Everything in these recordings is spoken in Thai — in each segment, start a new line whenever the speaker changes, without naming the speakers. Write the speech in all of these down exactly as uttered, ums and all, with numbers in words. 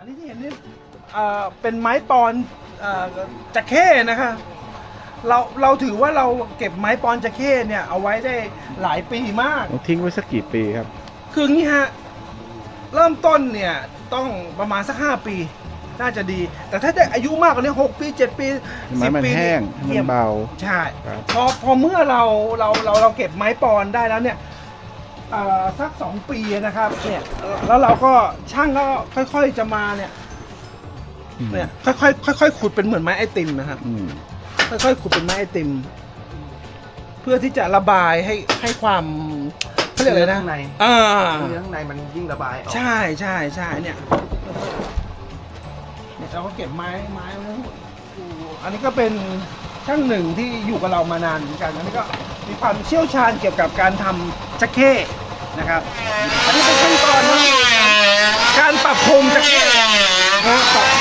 อันนี้ที่เห็นนี่เอ่อเป็นไม้ปอนเอ่อจักเข้นะคะเราเราถือว่าเราเก็บไม้ปอนจักเข้เนี่ยเอาไว้ได้หลายปีมาก
ต้องทิ้งไว้สักกี่ปีครับ
คืองี้ฮะเริ่มต้นเนี่ยต้องประมาณสักห้าปีน่าจะดี แต่ถ้าได้อายุมากกว่านี้หกปีเจ็ดปี
ไม้
สิบ
มัน
ปี
แห้งให้มันเบา
ใช่
ครับ
พอพอเมื่อเราเราเราเราเก็บไม้ปอนได้แล้วเนี่ยเอ่อสักสองปีนะครับเนี่ยแล้วเราก็ช่างก็ค่อยๆจะมาเนี่ยเนี่ยค่อยๆค่อยๆขุดเป็นเหมือนไม้ไอติมนะครับ
อืม
ค่อยๆขุดเป็นไม้ไอติม เพื่อที่จะระบายให้ให้ความเขาเรียกอะไรนะ
ข้างใน
อ่า
เนื้อข้างในมันยิ่งระบายออก
ใช่ใช่ใช่เนี่ยเนี่ยเราก็เก็บไม้ไม้ไว้ทั้งหมดอันนี้ก็เป็นช่างหนึ่งที่อยู่กับเรามานานเหมือนกันอันนี้ก็มีความเชี่ยวชาญเกี่ยวกับการทำจักเข้นะครับ อันนี้เป็นขั้นตอนนะการปรับโครงจักเข้นะปรับ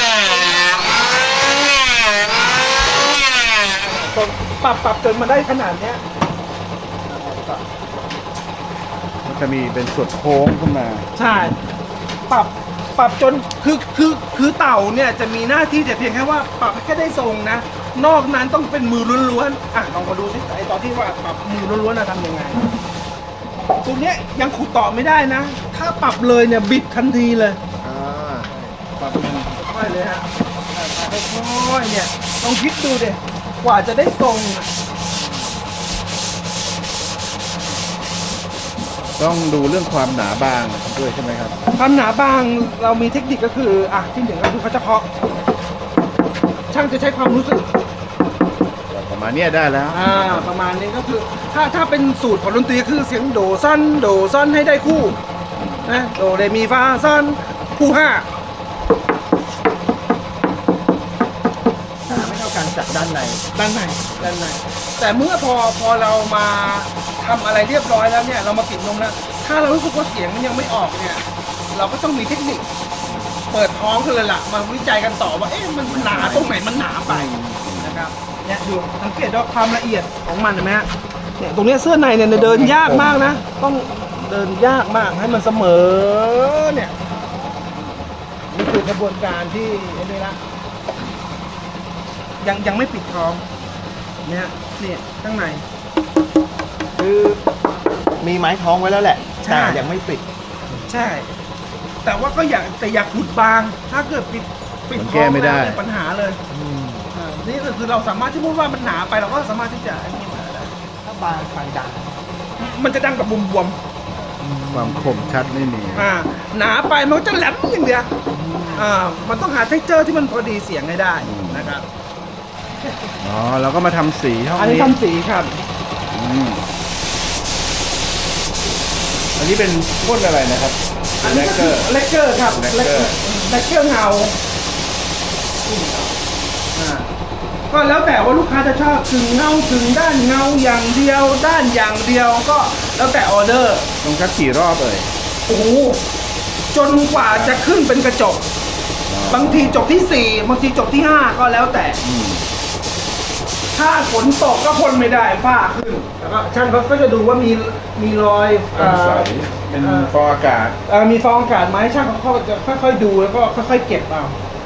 ปรับปรับจนมาได้ขนาดเนี้ย
มันจะมีเป็นส่วนโค้งขึ้นมา
ใช่ ปรับ ปรับจน คือ คือ คือเต่าเนี่ยจะมีหน้าที่แต่เพียงแค่ว่าปรับแค่ได้ทรงนะ นอกนั้นต้องเป็นมือล้วนๆ อ่ะลองมาดูสิไอตอนที่ว่าปรับมือล้วนๆนะทำยังไง ตัวเนี้ยยังขุดต่อไม่ได้นะ ถ้าปรับเลยเนี่ยบิดทันทีเลย
อ่า
ปรับค่อยๆเลยฮะค่อยๆเนี่ยลองคิดดูดิกว่าจะได้ทรงอะ
ต้องดูเรื่องความหนาบางด้วยใช่ไหมครับ
ความหนาบางเรามีเทคนิคก็คืออ่ะที่หนึ่งก็คือเขาจะเคาะช่างจะใช้ความรู้สึก
ประมาณเนี้ยได้แล้ว
อ่าประมาณนี้ก็คือถ้าถ้าเป็นสูตรของดนตรีคือเสียงโดซ่อนโดซ่อนให้ได้คู่นะโดเรมีฟาซ่อนคู่ห้า
ไม่เท่ากันจากด้านใน
ด้านในด้านในแต่เมื่อพอพอเรามาทำอะไรเรียบร้อยแล้วเนี่ยเรามาปิดนมแล้วถ้าเรารู้สึกว่าเสียงมันยังไม่ออกเนี่ยเราก็ต้องมีเทคนิคเปิดท้องกันเลยล่ะมาวิจัยกันต่อว่าเอ๊ะมันหนาตรงไหนมันหนาไปนะครับเนี่ยดูสังเกตว่าความละเอียดของมันเห็นไหมฮะเนี่ยตรงเนี้ยเสื้อในเนี่ยเดินยากมากนะต้องเดินยากมากให้มันเสมอเนี่ยนี่คือกระบวนการที่ไอ้นี่ละยังยังไม่ปิดท้องเนี่ยเนี่ยข้างใน
คือมีไม้ท้องไว้แล้วแหละ
ใช่
แต่ยังไม่ปิด
ใช่ แต่ว่าก็อยากแต่อยากขุดบาง ถ้าเกิดปิดปิด
มัน
ท้
แก้
อง
ไม่ได้
แล้วเนี่ยปัญหาเลยอ่านี่ก็คือเราสามารถที่พูดว่ามันหนาไปเราก็สามารถที่จะอันนี้มาได้
ถ้าบางไฟดัง
มันจะดังกับบวม
ความคมชัดไม่มี
ๆอ่าหนาไปมันก็จะแหลมอย่างเดียวอ่ามันต้องหาเท็กเจอร์ที่มันพอดีเสียงให้ได้นะครับ
อ๋อเราก็มาทำสีห้อง
อันนี้
นี้
ทำสีครับ
อืมอันนี้เป็นพ่นอะไรนะครับ
อัน
แล
นี้
ก
ก็
เก
คือ อ
ร์
เลกเกอร์ครับ
แลกเกอร์
เลกเกอร์เงาอ่าก็แล้วแต่ว่าลูกค้าจะชอบถึงเงาถึงด้านเงาอย่างเดียว ด้านอย่างเดียวก็แล้วแต่ออเดอร์
ต้องชักกี่รอบเอ่ย
โอ้โหจนกว่าจะขึ้นเป็นกระจก บางทีจบที่สี่บางทีจบที่ห้าก็แล้วแต่
อืม
ถ้าฝนตกก็พ่นไม่ได้ฝ้าขึ้นแล้วก็ช่างเขาก็จะดูว่ามีมีรอยเอ่อ
ใสเป็นฟองอากาศ
เอ่อมีฟองอากาศไหมช่างเขาก็จะค่อยๆดูแล้วก็ค่อยๆเก็บเอา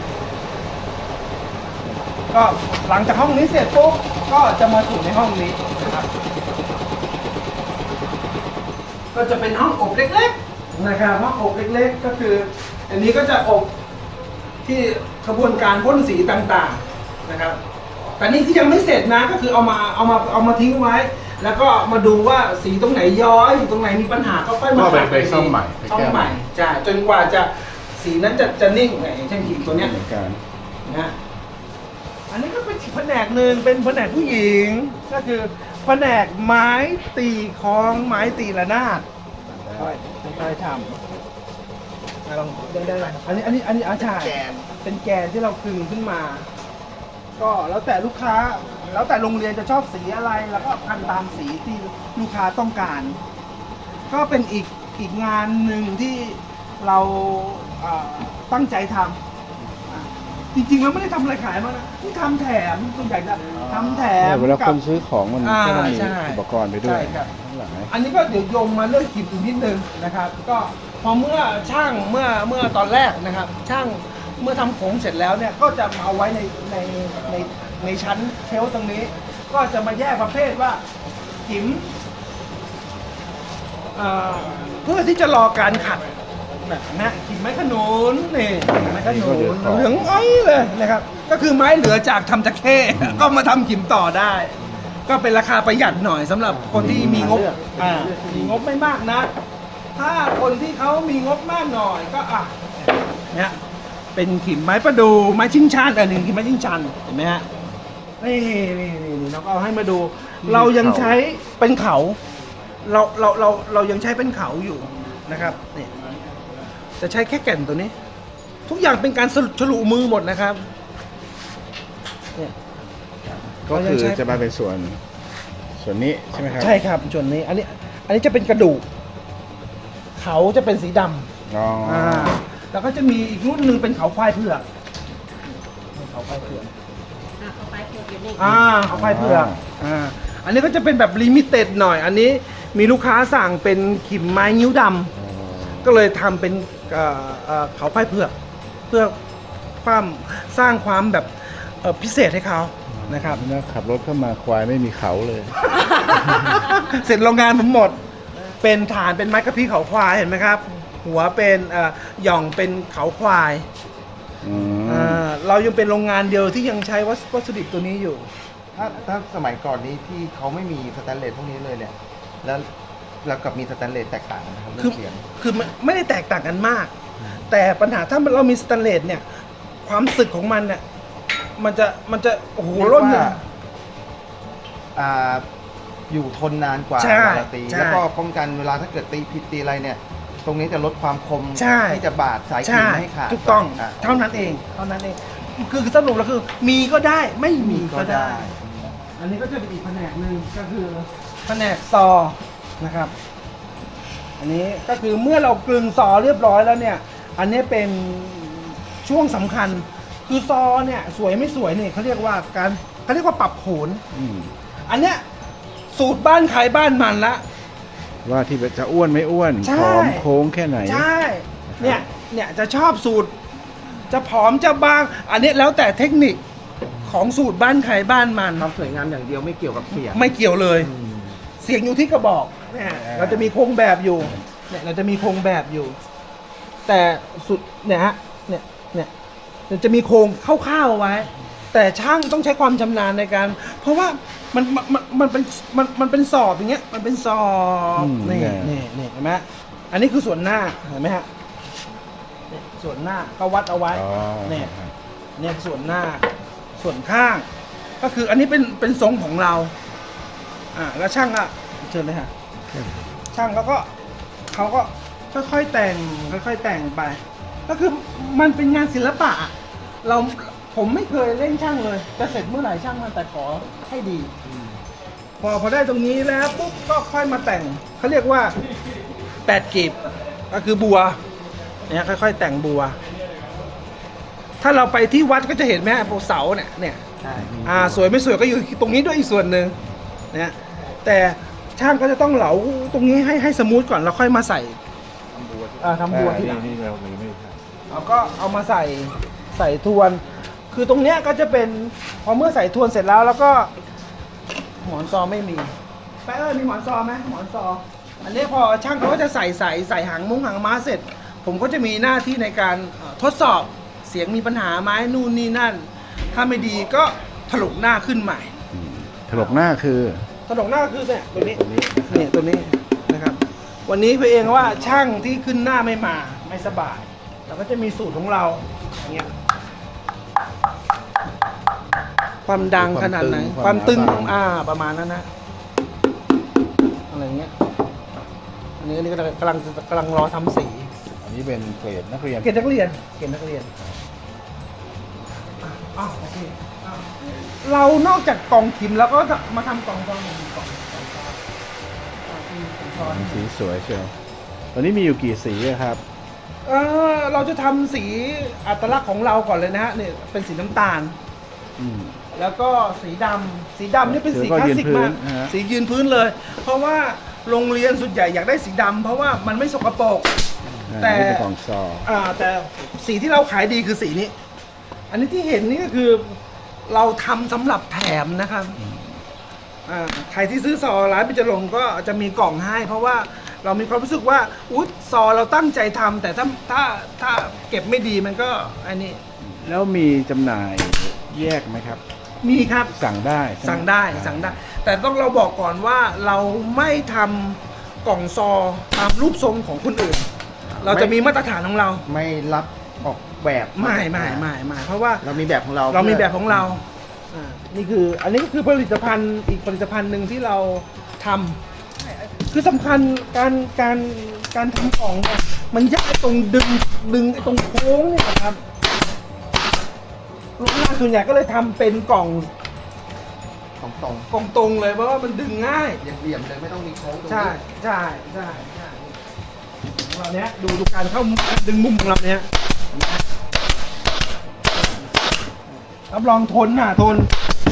ก็หลังจากห้องนี้เสร็จปุ๊บก็จะมาถึงในห้องนี้นะครับ ก็จะเป็นห้องอบเล็กๆนะครับห้องอบเล็กๆ ก็คือ อันนี้ก็จะอบที่กระบวนการพ่นสีต่างๆนะครับ แต่นี่ที่ยังไม่เสร็จนะก็คือเอามาเอามาเอามาทิ้งไว้ แล้วก็มาดูว่าสีตรงไหนย้อยอยู่ตรงไหนมีปัญหาก็ค่อยมา
ก็ไป
ขัด
ไปซ่อมใหม่ไป
ซ่อม
แก้
ให
ใหม่
ม่ใช่จนกว่าจะสีนั้นจะจะนิ่งไงอย่างเช่นขีดตัวเนี้ย
เหมือนกัน
นะอันนี้ก็เป็นอีกแผนกหนึ่งเป็นแผนกผู้หญิงก็คือแผนกไม้ตีคล้องไม้ตีระนาดค่อยค่อยๆทำอ่ะลองได้ได้ไหมอันนี้อันนี้อันนี้อาชาย
แกน
เป็นแกนที่เราคึงขึ้นมา ก็แล้วแต่ลูกค้า แล้วแต่โรงเรียนจะชอบสีอะไรแล้วก็พันตามสีที่ลูกค้าต้องการ ก็เป็นอีกอีกงานหนึ่งที่เราเอ่อตั้งใจทำอ่ะจริงๆแล้วไม่ได้ทำอะไรขายมากนะที่ทำแถมส่วนใหญ่จะทำแถม
เวลา
กั
ค
บ
นซื้อของมัน
อ่า
ก็ต้องมี
ใช่
อุปกรณ์ไปด้วย
ใช่ครับ
ข้างหลัง
อันนี้ก็เดี๋ยวโยงมาเรื่องขีดอีกนิดนึงนะครับ ก็พอเมื่อช่างเมื่อเมื่อตอนแรกนะครับ ช่างเมื่อทำโขงเสร็จแล้วเนี่ยก็จะมาเอาไว้ในในในในชั้นเชลฟ์ตรงนี้ ก็จะมาแยกประเภทว่าหิมเอ่อเพื่อที่จะรอการขัดแบบนะหิมไม้ขนุนนี่หิมไม้ขนุนเหลืองอ้อยเลยนะครับ ก็คือไม้เหลือจากทำตะเข้ก็มาทำหิมต่อได้ ก็เป็นราคาประหยัดหน่อยสำหรับคนที่มีงบอ่ามีงบไม่มากนะ ถ้าคนที่เขามีงบมากหน่อยก็อ่ะเนี่ยเป็นขิมไม้ประดูไม้ชิงชันอันหนึ่งขิมไม้ชิงชันเห็นไหมฮะนี่นี่นี่นี่เราก็เอาให้มาดู เรายังใช้เป็นเขา เราเราเราเรายังใช้เป็นเขาอยู่นะครับนี่จะใช้แค่แก่นตัวนี้ ทุกอย่างเป็นการสรุปฉลุมือหมดนะครับเนี่ย
ก็คือจะมาเป็นส่วนส่วนนี้ใช่ไหมครับ
ใช่ครับส่วนนี้อันนี้อันนี้จะเป็นกระดูกเขาจะเป็นสีดำ
อ๋ออ
อ่าแล้วก็จะมีอีกรุ่นหนึ่งเป็นเขาควายเผือกเขาควายเผือก
อ่ะเข้าไปเผือกอยู่นี่
อ่าเขาควายเผือกอ่าอันนี้ก็จะเป็นแบบลิมิเต็ดหน่อย อันนี้มีลูกค้าสั่งเป็นขิมไม้นิ้วดำก็เลยทำเป็นเอ่อเอ่อเขาควายเผือก เพื่อความสร้างความแบบเอ่อพิเศษให้เขานะครับ
แล้วขับรถเข้ามาควายไม่มีเขาเลย
เสร็จโรงงานผมหมด เป็นฐานเป็นไม้กระพี้เขาควายเห็นไหมครับ หัวเป็นเอ่อหย่องเป็นเขาควาย
อืม
อ่าเรายังเป็นโรงงานเดียวที่ยังใช้วัสวัสดุดิบตัวนี้อยู่
ถ้าถ้าสมัยก่อนนี้ที่เขาไม่มีสแตนเลสพวกนี้เลยเนี่ย แล้วแล้วกับมีสแตนเลสแตกต่างกันนะครับเรื่
คือ
องเสียง
คือไม่ไม่ได้แตกต่างกันมาก แต่ปัญหาถ้าเรามีสแตนเลสเนี่ย ความสึกของมันเนี่ยมันจะมันจะโอ้โห
เรียก
ร่น
ว่า
เลย
อ่าอยู่ทนนานกว่า
ใช่
เวลาตี
ใช่
แล้วก็ป้องกันเวลาถ้าเกิดตีผิดตีอะไรเนี่ย ตรงนี้จะลดความคม
ใช่
ที่จะบาดสายขี
ใช่
ดไม่ให้ขาด
ถูกต้อง
ะ
เท่านั้นเองเท่านั้นเองคือคือสรุปแล้วคือ มีก็ได้ไม่มีก็ได้ อันนี้ก็จะเป็นอีกแผนกหนึ่งก็คือแผนกซอนะครับ อันนี้ก็คือเมื่อเรากลึงซอเรียบร้อยแล้วเนี่ย อันนี้เป็นช่วงสำคัญ คือซอเนี่ยสวยไม่สวยเนี่ยเขาเรียกว่าการเขาเรียกว่าปรับโขน
อืม
อันเนี้ยสูตรบ้านใครบ้านมันละ
ว่าที่จะอ้วนไม่อ้วน
ใช่
ผอมโค้งแค่ไหน
ใช่ เนี่ยเนี่ยจะชอบสูตร จะผอมจะบาง อันนี้แล้วแต่เทคนิคของสูตรบ้านใครบ้านมัน
ความสวยงามอย่างเดียวไม่เกี่ยวกับเสียง
ไม่เกี่ยวเลย เสียงอยู่ที่กระบอกเนี่ยเราจะมีโครงแบบอยู่เนี่ยเราจะมีโครงแบบอยู่ แต่สุดเนี่ยฮะเนี่ยเนี่ยเราจะมีโครงคร่าวๆไว้ แต่ช่างต้องใช้ความชำนาญในการ เพราะว่ามันมันมันมันเป็นมันมันเป็นสอบอย่างเงี้ยมันเป็นสอบ
อืม
นี่
เนี่ย
นี่นี่เห็นไหมอันนี้คือส่วนหน้าเห็นไหมฮะเนี่ยส่วนหน้าก็วัดเอาไว้
อ๋อ
เนี่ย เนี่ยส่วนหน้าส่วนข้าง ก็คืออันนี้เป็นเป็นทรงของเรา อ่าแล้วช่างอ่ะเชิญเลยค่ะช่างเขาก็เขาก็ค่อยๆแต่งค่อยๆแต่งไป ก็คือมันเป็นงานศิลปะ เราผมไม่เคยเล่นช่างเลยจะเสร็จเมื่อไหร่ช่างมันแต่ขอให้ดี พอพอได้ตรงนี้แล้วปุ๊บก็ค่อยมาแต่งเขาเรียกว่าแปดกีบก็คือบัวเนี่ยค่อยๆ แต่งบัว ถ้าเราไปที่วัดก็จะเห็นไหมพวกเสาเนี่ยเนี่ย
ใช่
อ่าสวยไม่สวยก็อยู่ตรงนี้ด้วยอีกส่วนหนึ่งนะแต่ช่างก็จะต้องเหลาตรงนี้ให้ให้สมูทก่อนแล้วค่อยมาใส่อ่าทำบัวทีหลัง
นี่เราไม่ไม่ใช่
เราก็เอามาใส่ใส่ทวน คือตรงเนี้ยก็จะเป็นพอเมื่อใส่ทวนเสร็จแล้วแล้วก็หมอนซอไม่มีแป๊ะเอ้ยมีหมอนซอไหมหมอนซอ อันนี้พอช่างเขาก็จะใส่ใส่ใส่หางมุ้งหางม้าเสร็จ ผมก็จะมีหน้าที่ในการเอ่อทดสอบเสียงมีปัญหาไหมนู่นนี่นั่น ถ้าไม่ดีก็ถลุกหน้าขึ้นใหม่
ถลกหน้าคือ
ถลุกหน้าคือเนี่ยตัวนี้เนี่ยตัวนี้นะครับ วันนี้พี่เองว่าช่างที่ขึ้นหน้าไม่มาไม่สบายเราก็จะมีสูตรของเราอย่างเงี้ยความดังขนาดไหนความตึงอ่าประมาณนั้นนะอะไรเงี้ยอันนี้อันนี้ก็กำลังกำลังรอทำสี
อันนี้เป็นเกรดนักเรียน
เกณฑ์นักเรียนเกณฑ์นักเรียนอ่ะอ้าวโอเคอ้าวเรานอกจากกล่องขิมแล้วก็มาทำกล่องกล่องหนึ่งกล่องกล่องซ้อนอ่ะอืมกล่องซ้อน
สีสวยเชียวตอนนี้มีอยู่กี่สีอะครับ
เออเราจะทำสีอัตลักษณ์ของเราก่อนเลยนะฮะเนี่ยเป็นสีน้ำตาล
อืม
แล้วก็สีดำสีดำนี่เป็นสี
เดี๋ยวก็
คลาสสิกมาก
ยืนพื้นนะฮะ
สียืนพื้นเลย เพราะว่าโรงเรียนส่วนใหญ่อยากได้สีดำเพราะว่ามันไม่สกปรก
อ่า
แต่
นี่เป็นของซอ
อ่าแต่สีที่เราขายดีคือสีนี้ อันนี้ที่เห็นนี่ก็คือเราทำสำหรับแถมนะครับอ่าใครที่ซื้อซอร้านปิจรงค์ก็จะมีกล่องให้ เพราะว่าเรามีความรู้สึกว่าอุ๊ยซอเราตั้งใจทำแต่ถ้าถ้าถ้าเก็บไม่ดีมันก็อันนี้
แล้วมีจำหน่ายแยกไหมครับ
มีครับ
สั่งได้ใช่หม
สั่งได้สั่งได้ แต่ต้องเราบอกก่อนว่าเราไม่ทำกล่องซอตามรูปทรงของคนอื่น เราจะมีมาตรฐานของเรา
ไม่รับออกแบบ
ไม่ไม่ไม่ไม่เพราะว่า
เรามีแบบของเรา
เรามีแบบของเราอ่านี่คืออันนี้ก็คือผลิตภัณฑ์อีกผลิตภัณฑ์หนึ่งที่เราทำคือสำคัญการการการทำของเนี่ยมันยากตรงดึงดึงไอ้ตรงโค้งเนี่ยครับลูกค้าส่วนใหญ่ก็เลยทำเป็นกล่อง
ของตรง
กล่องตรงเลยเพราะว่ามันดึงง่าย
เหลี่ยมๆเลยไม่ต้องมีโค้งตรง
ใช่
นี้
ใช่ใช่ใช่ของเราเนี้ยดูดูการเข้าดึงมุมของเราเนี้ยรับรองทนน่ะทน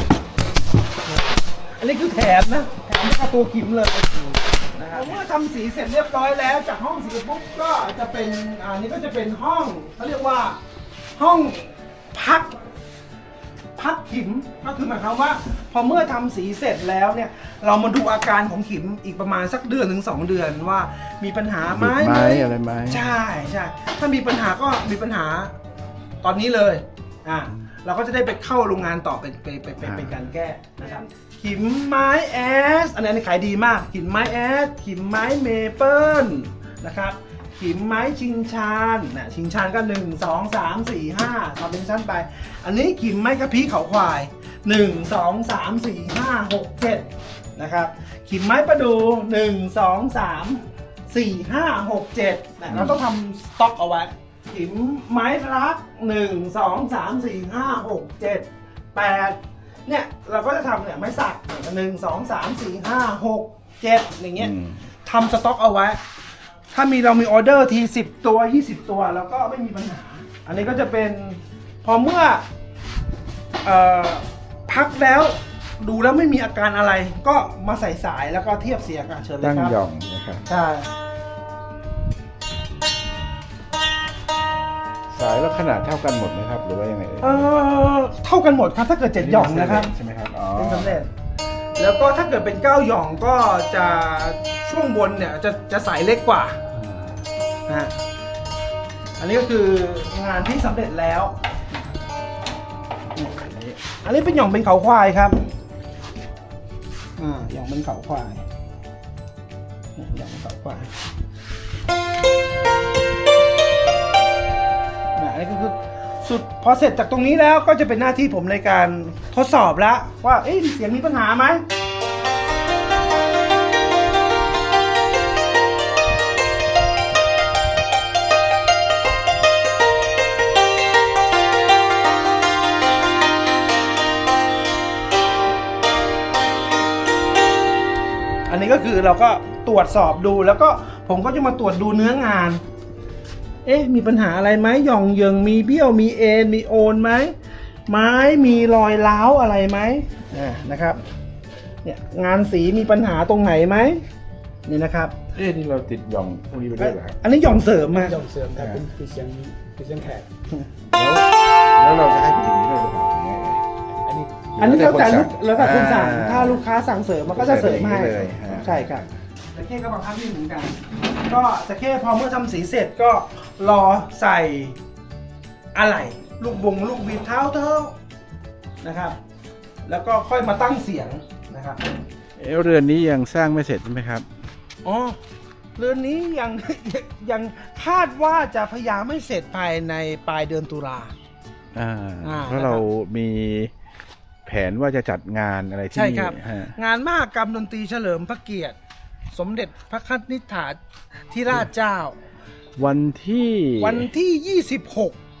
อันนี้คือแถมนะแถมค่าตัวขิมเลยนะครับเมื่อทำสีเสร็จเรียบร้อยแล้วจากห้องสีปุ๊บก็จะเป็นอันนี้ก็จะเป็นห้องเขาเรียกว่าห้องพัก พักขิมก็คือหมายความว่า พอเมื่อทำสีเสร็จแล้วเนี่ย เรามาดูอาการของขิมอีกประมาณสักเดือนถึงสองเดือนว่ามีปัญหาไหม
บิดไหมอะไรไหม
ใช่ใช่ถ้ามีปัญหาก็มีปัญหาตอนนี้เลยอ่าเราก็จะได้ไปเข้าโรงงานต่อเป็นเป็นเป็นเป็นเป็นการแก้นะครับขิมไม้แอสอันนี้ขายดีมากขิมไม้แอสขิมไม้เมเปิลนะครับขิมไม้ชิงชานนะชิงชานก็หนึ่งสองสามสี่ห้าทำเป็นชั้นไป อันนี้ขิมไม้กระพี้เขาควายหนึ่งสองสามสี่ห้าหกเจ็ดนะครับขิมไม้ประดูหนึ่งสองสามสี่ห้าหกเจ็ดนะเราต้องทำสต็อกเอาไว้ขิมไม้รักหนึ่งสองสามสี่ห้าหกเจ็ดแปดเนี่ยเราก็จะทำเนี่ยไม้สักหนึ่งสองสามสี่ห้าหกเจ็ดอย่างเงี้ย
อืม
ทำสต็อกเอาไว้ ถ้ามีเรามีออเดอร์ทีสิบตัวยี่สิบตัวแล้วก็ไม่มีปัญหา อันนี้ก็จะเป็นพอเมื่อเออพักแล้วดูแล้วไม่มีอาการอะไร ก็มาใส่สายแล้วก็เทียบเสียงอ่ะเชิญเลย
ตั้ง
ครับ
หย่องนะครับ
ใช่
สายแล้วขนาดเท่ากันหมดไหมครับ หรือว่ายังไงเอ่ย
เออเท่ากันหมดครับถ้าเกิดเจ็ดหย่องนะครับ
ใช่ไหมครับอ๋อ
เป็นสำเร็จแล้วก็ถ้าเกิดเป็นเก้าหย่องก็จะช่วงบนเนี่ยจะจะสายเล็กกว่านะฮะอันนี้ก็คืองานที่สำเร็จแล้วอันนี้เป็นหย่องเป็นเขาควายครับอ่าหย่องเป็นเขาควายเนี่ยหย่องเป็นเขาควายนะอันนี้ก็คือสุดพอเสร็จจากตรงนี้แล้วก็จะเป็นหน้าที่ผมในการทดสอบแล้วว่าเอ๊ะเสียงมีปัญหาไหมอันนี้ก็คือเราก็ตรวจสอบดูแล้วก็ผมก็จะมาตรวจดูเนื้องาน เอ๊ะมีปัญหาอะไรไหมหย่องเยิงมีเบี้ยวมีเอ็นมีโอนไหมไม้มีรอยร้าวอะไรไหมอ่านะครับเนี่ยงานสีมีปัญหาตรงไหนไหมนี่นะครับ
เอ๊ะนี่เราติดหย่องพวกนี้ไปด้วยเหรอครับ
อันนี้หย่องเสริมมา
หย่องเสริมแต่เป็นปีเสียงปีเสียงแขก
แล้วแล้วเราจะให้เป็นอย่างนี้ด้วยหรือเปล่าหรือไงเอ่ย
อันนี้
อันนี้แล้วแต่ลูกแล้วแต่คุณสั่ง
อ่า
ถ้าลูกค้าสั่งเสริมมันก็จะเสริมให้
เสริมอย่างนี้เลยฮะ
ใช่ครับแต่แค่ก็บางครั้งนี่เหมือนกัน ก็จะแค่พอเมื่อทำสีเสร็จก็รอใส่อะไหล่ลูกบงลูกบิดเท้าเท้านะครับ แล้วก็ค่อยมาตั้งเสียงนะครับ
เอ๊ะเรือนนี้ยังสร้างไม่เสร็จใช่ไหมครับ
อ๋อเรือนนี้ยัง ยังคาดว่าจะพยายามไม่เสร็จภายในปลายเดือนตุลา
อ่า
อ่า
เพราะเรามีแผนว่าจะจัดงานอะไรที่
ใช่
นี่
ครับ
ฮะ
งานมหกรรมดนตรีเฉลิมพระเกียรติ สมเด็จพระคันิษฐาธิราชเจ้า
วันที่
วันที่ ยี่สิบหก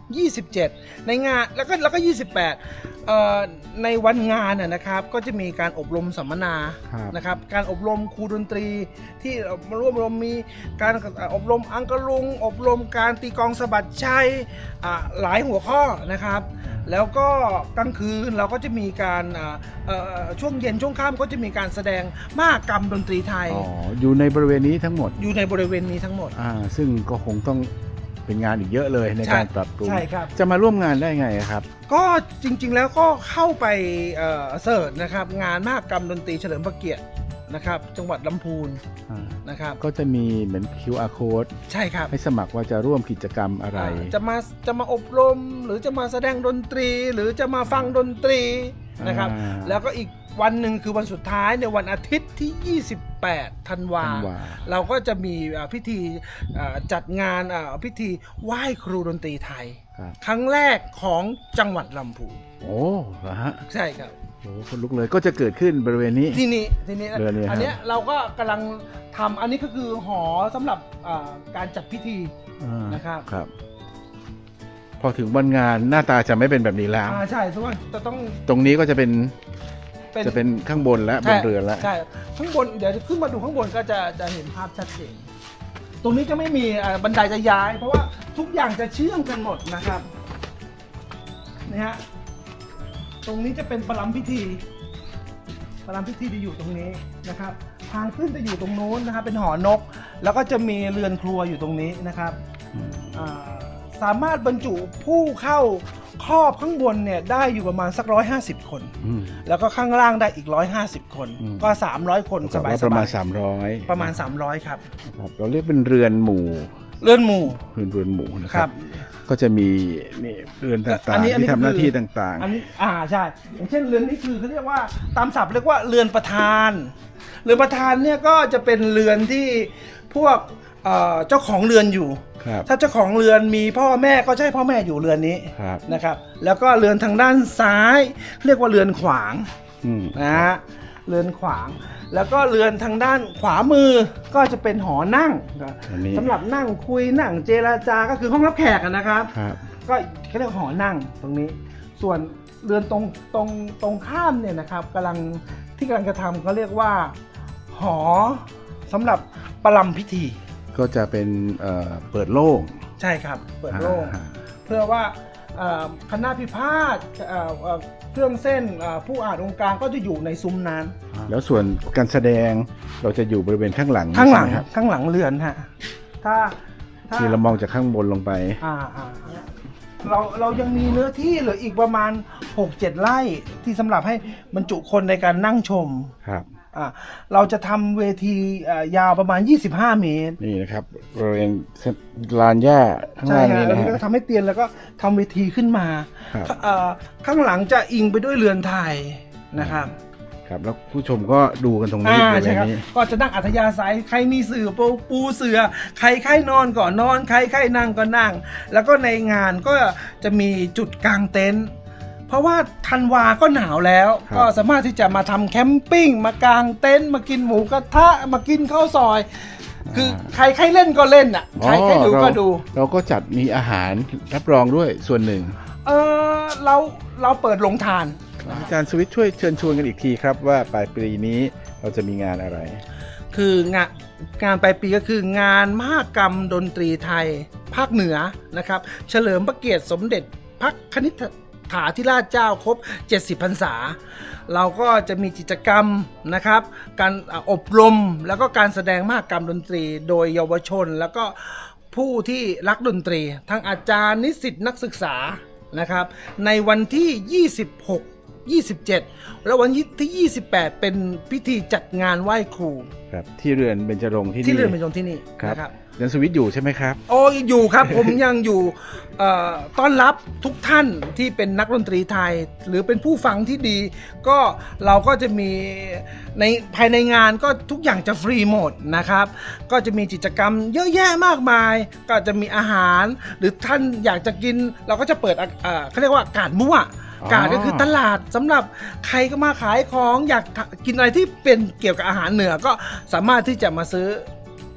ยี่สิบเจ็ดในงานแล้วก็แล้วก็ยี่สิบแปดเอ่อในวันงานน่ะนะครับก็จะมีการอบรมสัมมนา
ครับ
นะครับการอบรมครูดนตรีที่มาร่วมอบรมมีการอบรมอังกะลุง อบรมการตีกลองสะบัดชัยอ่าหลายหัวข้อนะครับ แล้วก็กลางคืนเราก็จะมีการอ่าเอ่อช่วงเย็นช่วงค่ำก็จะมีการแสดงมหกรรมดนตรีไทย
อ๋ออยู่ในบริเวณนี้ทั้งหมด
อยู่ในบริเวณนี้ทั้งหมด
อ่าซึ่งก็คงต้องเป็นงานอีกเยอะเลยใน
ใช่
การปรับปรุง
ใช่ครับ
จะมาร่วมงานได้ไงครับ
ก็จริงๆแล้วก็เข้าไปเอ่อเสิร์ชนะครับงานมหกรรมดนตรีเฉลิมพระเกียรตินะครับจังหวัดลำพูน
อ่า
นะครับ
ก็จะมีเหมือน คิว อาร์ code
ใช่ครับ
ให้สมัครว่าจะร่วมกิจกรรมอะไร
อ่าจะมาจะมาอบรมหรือจะมาแสดงดนตรี หรือจะมาฟังดนตรีนะครับ
อ่า
แล้วก็อีกวันหนึ่งคือวันสุดท้ายในวันอาทิตย์ที่ ยี่สิบแปด ธันวา
ธันวา
เราก็จะมีอ่าพิธีอ่าจัดงานอ่าพิธีไหว้ครูดนตรีไทย
ครับ
ครั้งแรกของจังหวัดลำพูน
โอ้เหรอฮะ
ใช่ครับ
โอ้คนลุกเลยก็จะเกิดขึ้นบริเวณนี้
ที่นี่ที่นี่
เรือนนี้ครับ
อันเนี้ยเราก็กำลังทำอันนี้ก็คือหอสำหรับอ่าการจัดพิธี
อ่า
นะครับ
ครับ พอถึงวันงานหน้าตาจะไม่เป็นแบบนี้แล้ว
อ่าใช่ทุกคนจะต้อง
ตรงนี้ก็จะเป็น
เป็น
จะเป็นข้างบนและบ
ใช่
นเรือนแล้ว
ใช่ข้างบนเดี๋ยวจะขึ้นมาดูข้างบนก็จะจะเห็นภาพชัดเจนตรงนี้จะไม่มีอ่าบันไดจะย้าย เพราะว่าทุกอย่างจะเชื่อมกันหมดนะครับนี่ฮะตรงนี้จะเป็นประลัมพิธีประลัมพิธีจะอยู่ตรงนี้นะครับ ทางขึ้นจะอยู่ตรงนู้นนะครับ เป็นหอนก แล้วก็จะมีเรือนครัวอยู่ตรงนี้นะครับอ่าสามารถบรรจุผู้เข้าครอบข้างบนเนี่ยได้อยู่ประมาณสักร้อยห้าสิบคน
อืม
แล้วก็ข้างล่างได้อีกร้อยห้าสิบคน
อืม
ก็สามร้อยคนส
แต่
บาย
ว่า
ๆ
ประมาณสามร้อย
ประมาณสามร้อยครับ
ครับเราเรียกเป็นเรือนหมู่
เลื่อนหมู่
เรือนเรือนหมู่นะค
ครั
รับ บ ก็จะมีนี่เรือนต่าง
อันนี้
ๆ
อันนี้
ที่ทำหน้า
คือ
ที่ต่าง
อันนี้อ่าใช่อย่างเช่นเรือนนี้คือเขาเรียกว่าตามศัพท์เรียกว่าเรือนประธาน เรือนประธานเนี่ยก็จะเป็นเรือนที่พวกเอ่อเจ้าของเรือนอยู่
ๆครับ
ถ้าเจ้าของเรือนมีพ่อแม่ก็จะให้พ่อแม่อยู่เรือนนี้
ครับ
นะครับ แล้วก็เรือนทางด้านซ้าย เรียกว่าเรือนขวาง
อืม
นะฮะเรือนขวาง แล้วก็เรือนทางด้านขวามือก็จะเป็นหอนั่ง
อันนี้
สำหรับนั่งคุยนั่งเจรจาก็คือห้องรับแขกอะนะครับ
ครับ
ก็เขาเรียกว่าหอนั่งตรงนี้ ส่วนเรือนตรงตรงตรงข้ามเนี่ยนะครับกำลังที่กำลังจะทำเขาเรียกว่าหอสำหรับประลัมพิธี
ก็จะเป็นเอ่อเปิดโล่ง
ใช่ครับเปิดโล่ง
อ่า
เพื่อว่าเอ่อคณะพิพาทเอ่อเอ่อเครื่องเส้นเอ่อผู้อ่านองค์การก็จะอยู่ในซุ้มนั้น
แล้วส่วนการแสดงเราจะอยู่บริเวณข้างหลัง
ข้างหลัง
ใช่ไมครับ
ข้างหลังเรือนฮะถ้าถ้า
ที่เรามองจากข้างบนลงไป
อ่าอ่าเราเรายังมีเนื้อที่เหลืออีกประมาณ หกเจ็ด ไร่ที่สำหรับให้บรรจุคนในการนั่งชม
ครับ
อ่าเราจะทำเวทีเอ่อยาวประมาณ ยี่สิบห้า เมตร
นี่นะครับบริเวณลานหญ้าข้าง
ใช่
ล่าง
ฮะ
นี้
แล้ว
นะ
นี่
ฮะ
ก็ทำให้เตียนแล้วก็ทำเวทีขึ้นมา
ครับ
เอ่อข้างหลังจะอิงไปด้วยเรือนไทยนะครับ
ครับแล้วผู้ชมก็ดูกันตรงนี้
อ่า
บริเว
ใช่
ณ
ครับ
นี้
ก็จะนั่งอัธยาศัยใครมีเสื่อปูปูเสือใครใครนอนก่อนนอนใครใครนั่งก็นั่ง แล้วก็ในงานก็จะมีจุดกางเต็นท์เพราะว่าธันวาก็หนาวแล้ว
ครับ
ก็สามารถที่จะมาทำแคมปิ้งมากางเต็นท์มากินหมูกระทะมากินข้าวซอย คือใครใครเล่นก็เล่นอ่ะใครใครดูก็ดู
เราก็จัดมีอาหารรับรองด้วยส่วนหนึ่ง
เออเราเราเปิดโรงทาน
อาจารย์สวิทย์ช่วยเชิญชวนกันอีกทีครับว่าปลายปีนี้เราจะมีงานอะไร
คืองานงานปลายปีก็คืองานมหกรรมดนตรีไทย ภาคเหนือนะครับเฉลิมพระเกียรติสมเด็จพระคณิษฐาธิราชเจ้าครบ เจ็ดสิบ พรรษา เราก็จะมีกิจกรรมนะครับการอบรมแล้วก็การแสดงมหกรรมดนตรีโดยเยาวชน แล้วก็ผู้ที่รักดนตรี ทั้งอาจารย์นิสิตนักศึกษานะครับในวันที่ ยี่สิบหก ยี่สิบเจ็ด แล้ววันที่ ยี่สิบแปด เป็นพิธีจัดงานไหว้ครู
ครับที่เรือนเบญจรงค์ที่นี่
ที่เรือนเป็นตรงที่นี่
ครับ
นะครับ
อาจารย์สวิทย์อยู่ใช่ไหมครับ
โอ้อยู่ครับ ผมยังอยู่เอ่อต้อนรับทุกท่านที่เป็นนักดนตรีไทย หรือเป็นผู้ฟังที่ดี ก็เราก็จะมีในภายในงานก็ทุกอย่างจะฟรีหมดนะครับ ก็จะมีกิจกรรมเยอะแยะมากมาย ก็จะมีอาหาร หรือท่านอยากจะกิน เราก็จะเปิดอ่ะเอ่อเขาเรียกว่ากาดมั่ว
อ๋อ
กาดก็คือตลาดสำหรับใครก็มาขายของอยากกินอะไรที่เป็นเกี่ยวกับอาหารเหนือก็สามารถที่จะมาซื้อ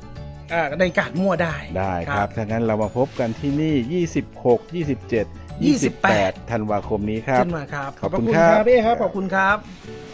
เอ่อในการมั่วได้
ได้ครับถ้างั้นเรามาพบกันที่นี่ ยี่สิบหก ยี่สิบเจ็ด
ยี่สิบแปด
ธันวาคมนี้ครับ
เช่นมาครับ
ขอบคุณ
พะ
ครับ
พี่เอครับขอบคุณครับ